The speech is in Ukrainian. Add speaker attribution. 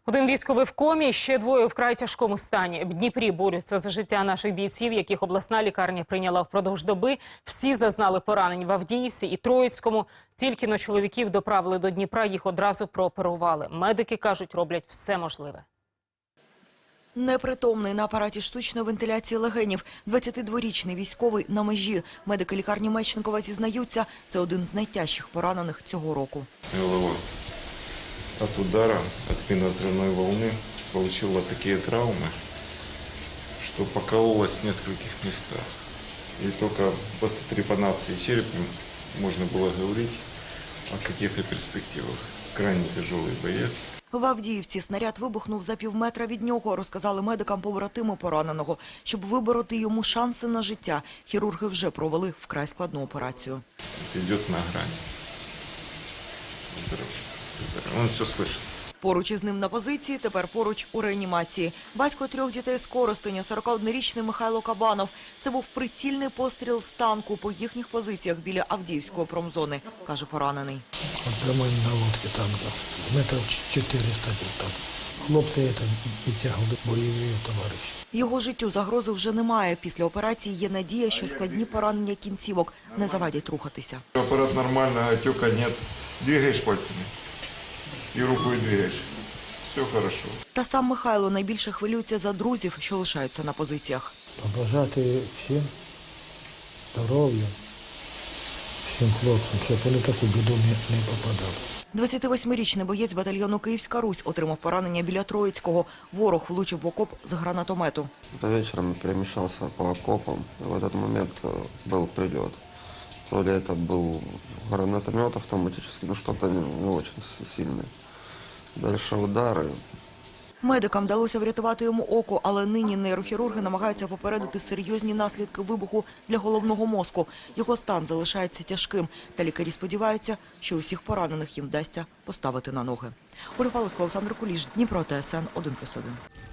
Speaker 1: Один військовий в комі, ще двоє вкрай тяжкому стані. В Дніпрі борються за життя наших бійців, яких обласна лікарня прийняла впродовж доби. Всі зазнали поранень в Авдіївці і Троїцькому. Тільки-но чоловіків доправили до Дніпра, їх одразу прооперували. Медики кажуть, роблять все можливе.
Speaker 2: Непритомний на апараті штучної вентиляції легенів. 22-річний військовий на межі. Медики лікарні Мечникова зізнаються, це один з найтяжчих поранених цього року.
Speaker 3: Голова от удара, от минно-взрывной волны получила такие травмы, что покололась в нескольких местах. И только после трепанации черепа можно было говорить о каких-то перспективах. Крайне тяжелый боец.
Speaker 2: В Авдіївці снаряд вибухнув за півметра від нього, розказали медикам побратими пораненого. Щоб вибороти йому шанси на життя, хірурги вже провели вкрай складну операцію.
Speaker 3: Йде на грані. Він все слышить.
Speaker 2: Поруч із ним на позиції, тепер поруч у реанімації. Батько 3 дітей з Коростеня, 41-річний Михайло Кабанов. Це був прицільний постріл з танку по їхніх позиціях біля Авдіївської промзони, каже поранений.
Speaker 4: От прямой наводки танка, метрів 400 десь. Хлопці підтягували бойові товариші.
Speaker 2: Його життю загрози вже немає. Після операції є надія, що складні поранення кінцівок не завадять рухатися.
Speaker 3: Апарат нормальний, отека нет. Двигаєш пальцями. І рукою двигаєш. Все хорошо.
Speaker 2: Та сам Михайло найбільше хвилюється за друзів, що лишаються на позиціях.
Speaker 4: Побажати всім здоров'я, всім хлопцям, щоб вони в таку біду не попадали.
Speaker 2: 28-річний боєць батальйону «Київська Русь» отримав поранення біля Троїцького. Ворог влучив в окоп з гранатомету.
Speaker 5: Вечером перемещался по окопам, и в этот момент был прилет. То ли это был гранатомет автоматический, но что-то не очень сильное. Дальше удары.
Speaker 2: Медикам вдалося врятувати йому око, але нині нейрохірурги намагаються попередити серйозні наслідки вибуху для головного мозку. Його стан залишається тяжким, та лікарі сподіваються, що усіх поранених їм вдасться поставити на ноги. Ольга Павловська, Олександр Куліш, Дніпро, ТСН 1+1.